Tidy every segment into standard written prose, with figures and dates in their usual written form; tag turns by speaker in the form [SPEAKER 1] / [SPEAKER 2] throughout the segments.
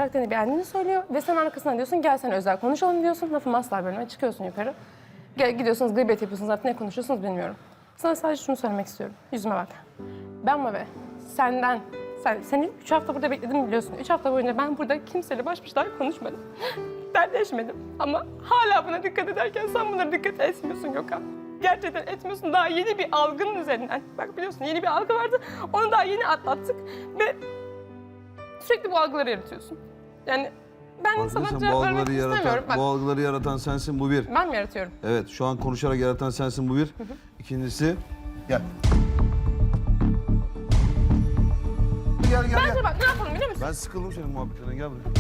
[SPEAKER 1] karakterini beğendiğini söylüyor ve sen arkasından diyorsun gel sen özel konuşalım diyorsun. Lafımı asla bölme, çıkıyorsun yukarı. Gidiyorsunuz gıybet yapıyorsunuz artık ne konuşuyorsunuz bilmiyorum. Sana sadece şunu söylemek istiyorum. Yüzüme bak. Ben Mavi, seni 3 hafta burada bekledim biliyorsun. 3 hafta boyunca ben burada kimseyle baş başa konuşmadım. Dertleşmedim. Ama hala buna dikkat ederken sen bunlara dikkat etmiyorsun Gökhan. Gerçekten etmiyorsun. Daha yeni bir algının üzerinden. Bak biliyorsun yeni bir algı vardı. Onu daha yeni atlattık. Ve sürekli bu algıları yaratıyorsun. Yani ben sana cevap vermek istemiyorum.
[SPEAKER 2] Bu algıları yaratan sensin, bu bir.
[SPEAKER 1] Ben mi yaratıyorum?
[SPEAKER 2] Evet, şu an konuşarak yaratan sensin, bu bir. İkincisi, gel. Gel.
[SPEAKER 1] Bence bak ne yapalım biliyor musun?
[SPEAKER 2] Ben sıkıldım senin muhabbetlerinden, gel buraya.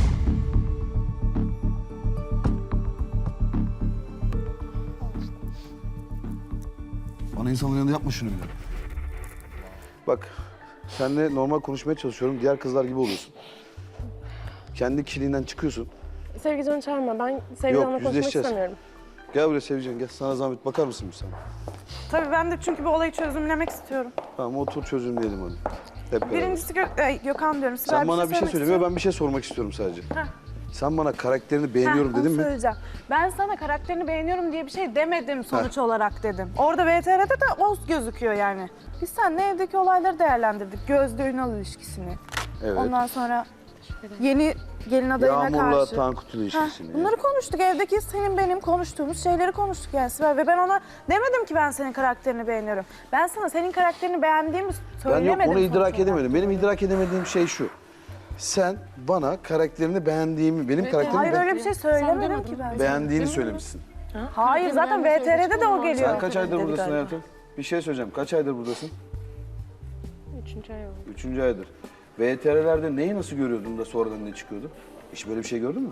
[SPEAKER 2] Bana insanların yanında yapma şunu bile. Bak, seninle normal konuşmaya çalışıyorum, diğer kızlar gibi oluyorsun. Kendi kişiliğinden çıkıyorsun.
[SPEAKER 1] Sevgican'ı çağırma. Ben Sevgican'la konuşmak
[SPEAKER 2] yüzleşeceğiz.
[SPEAKER 1] istemiyorum.
[SPEAKER 2] Gel buraya Sevcan, gel. Sana zahmet bakar mısın bir sana?
[SPEAKER 3] Tabii ben de çünkü bu olayı çözümlemek istiyorum.
[SPEAKER 2] Tamam, otur çözümleyelim hadi. Hep beraber.
[SPEAKER 3] Birincisi Gökhan diyorum. Sibel
[SPEAKER 2] Sen bana bir şey
[SPEAKER 3] söylemek
[SPEAKER 2] söylemiyor, ben bir şey sormak istiyorum sadece.
[SPEAKER 3] Heh.
[SPEAKER 2] Sen bana karakterini beğeniyorum
[SPEAKER 3] Heh,
[SPEAKER 2] dedin
[SPEAKER 3] onu
[SPEAKER 2] mi?
[SPEAKER 3] söyleyeceğim. Ben sana karakterini beğeniyorum diye bir şey demedim sonuç olarak dedim. Orada VTR'de de o gözüküyor yani. Biz seninle evdeki olayları değerlendirdik. Gözde Ünal ilişkisini.
[SPEAKER 2] Evet.
[SPEAKER 3] Ondan sonra yeni gelin adayına
[SPEAKER 2] Yağmur'la
[SPEAKER 3] karşı.
[SPEAKER 2] Tankut ilişkisini.
[SPEAKER 3] Heh, bunları konuştuk. Evdeki senin benim konuştuğumuz şeyleri konuştuk yani Sibel. Ve ben ona demedim ki ben senin karakterini beğeniyorum. Ben sana senin karakterini beğendiğimi
[SPEAKER 2] Ben
[SPEAKER 3] söylemedim.
[SPEAKER 2] yok, onu
[SPEAKER 3] sonuç
[SPEAKER 2] idrak
[SPEAKER 3] olarak.
[SPEAKER 2] edemedim. Benim idrak edemediğim şey şu. Sen bana karakterini beğendiğimi, benim karakterimi
[SPEAKER 3] Hayır öyle bir şey söylemedim ki ben.
[SPEAKER 2] beğendiğini söylemişsin.
[SPEAKER 3] Hayır zaten VTR'de de o geliyor.
[SPEAKER 2] Sen kaç aydır buradasın hayatım? Bir şey söyleyeceğim. Kaç aydır buradasın?
[SPEAKER 1] 3. ay oldu.
[SPEAKER 2] 3. aydır. VTR'lerde neyi nasıl görüyordun da sonradan ne çıkıyordu? Hiç böyle bir şey gördün mü?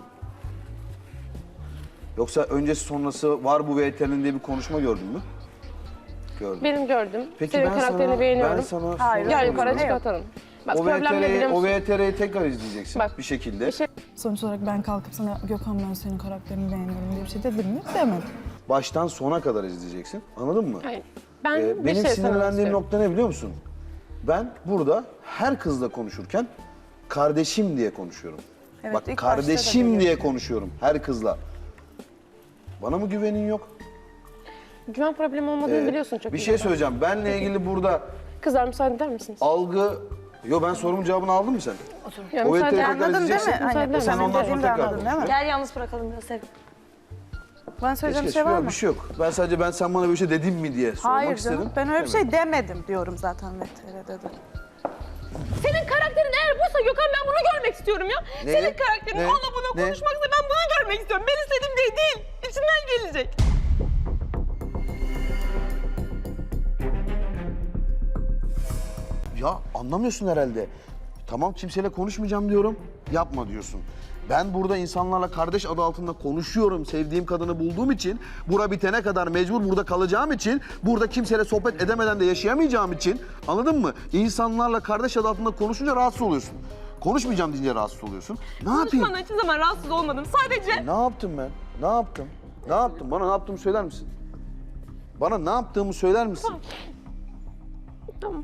[SPEAKER 2] Yoksa öncesi sonrası var bu VTR'nin diye bir konuşma gördün mü? Gördüm.
[SPEAKER 1] Benim gördüm.
[SPEAKER 2] Peki
[SPEAKER 1] Senin karakterini beğeniyorum.
[SPEAKER 2] Ben sana
[SPEAKER 3] Hayır,
[SPEAKER 1] Gel
[SPEAKER 2] soruyorum.
[SPEAKER 1] yukarı çıkartalım. Bak
[SPEAKER 2] O
[SPEAKER 1] problem ne biliyor musun?
[SPEAKER 2] VTR'yi tekrar izleyeceksin
[SPEAKER 1] Bak,
[SPEAKER 2] bir şekilde.
[SPEAKER 1] bir şey-
[SPEAKER 4] Sonuç olarak ben kalkıp sana Gökhan ben senin karakterini beğeniyorum diye bir şey dedim mi? Demedim.
[SPEAKER 2] Baştan sona kadar izleyeceksin. Anladın mı?
[SPEAKER 1] Hayır. Ben bir
[SPEAKER 2] Benim
[SPEAKER 1] şey söylemek
[SPEAKER 2] sinirlendiğim
[SPEAKER 1] istiyorum.
[SPEAKER 2] nokta ne biliyor musun? Ben burada her kızla konuşurken kardeşim diye konuşuyorum.
[SPEAKER 3] Evet,
[SPEAKER 2] Bak
[SPEAKER 3] ilk başta da
[SPEAKER 2] kardeşim
[SPEAKER 3] böyle.
[SPEAKER 2] diye konuşuyorum her kızla. Bana mı güvenin yok?
[SPEAKER 1] Güven problemi olmadığını biliyorsun çok
[SPEAKER 2] Bir
[SPEAKER 1] iyi.
[SPEAKER 2] şey söyleyeceğim. Benle ilgili burada
[SPEAKER 1] Kızlar müsaade eder misiniz?
[SPEAKER 2] algı... Yo, ben sorumun cevabını aldın mı sen?
[SPEAKER 1] Ya,
[SPEAKER 2] O
[SPEAKER 1] müsaade
[SPEAKER 2] VTR'yi
[SPEAKER 3] Anladın
[SPEAKER 2] tekrar
[SPEAKER 3] değil mi?
[SPEAKER 2] izleyeceksin.
[SPEAKER 3] Aynen.
[SPEAKER 2] Sen
[SPEAKER 3] Benim
[SPEAKER 2] ondan sonra
[SPEAKER 3] dediğimi de
[SPEAKER 2] tekrar
[SPEAKER 3] anladın değil mi?
[SPEAKER 5] Gel yalnız bırakalım biraz Sevgi.
[SPEAKER 3] Bana söyleyeceğim bir şey var mı?
[SPEAKER 2] Bir şey yok. Ben sadece sen bana böyle bir şey dedin mi diye sormak
[SPEAKER 3] Hayır
[SPEAKER 2] istedim.
[SPEAKER 3] canım. Ben öyle bir şey demedim diyorum zaten VTR'de de.
[SPEAKER 1] Senin karakterin eğer buysa Gökhan ben bunu görmek istiyorum ya.
[SPEAKER 2] Ne?
[SPEAKER 1] Senin karakterin
[SPEAKER 2] Ne?
[SPEAKER 1] onunla buna
[SPEAKER 2] Ne?
[SPEAKER 1] konuşmaksa ben bunu görmek istiyorum. Ben istediğim değil. İçinden gelecek.
[SPEAKER 2] Ya anlamıyorsun herhalde. Tamam, kimseyle konuşmayacağım diyorum. Yapma diyorsun. Ben burada insanlarla kardeş adı altında konuşuyorum. Sevdiğim kadını bulduğum için, bura bitene kadar mecbur burada kalacağım için, burada kimseyle sohbet edemeden de yaşayamayacağım için, anladın mı? İnsanlarla kardeş adı altında konuşunca rahatsız oluyorsun. Konuşmayacağım deyince rahatsız oluyorsun. Ne yapayım?
[SPEAKER 1] Konuşmandan hiçbir zaman rahatsız olmadım. Sadece
[SPEAKER 2] Ne yaptım ben? Ne yaptım? Ne yaptım? Bana ne yaptığımı söyler misin? Bana ne yaptığımı söyler misin?
[SPEAKER 1] Tamam.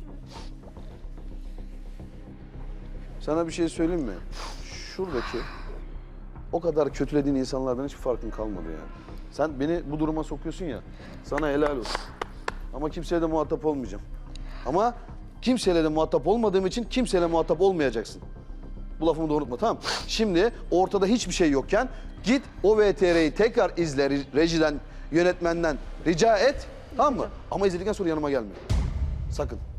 [SPEAKER 2] Sana bir şey söyleyeyim mi? Şuradaki o kadar kötülediğin insanlardan hiçbir farkın kalmadı yani. Sen beni bu duruma sokuyorsun ya, sana helal olsun. Ama kimseyle de muhatap olmayacağım. Ama kimseyle de muhatap olmadığım için kimseyle muhatap olmayacaksın. Bu lafımı da unutma, tamam mı? Şimdi ortada hiçbir şey yokken git o VTR'yi tekrar izle, rejiden, yönetmenden rica et, tamam mı? Ama izledikten sonra yanıma gelme. Sakın.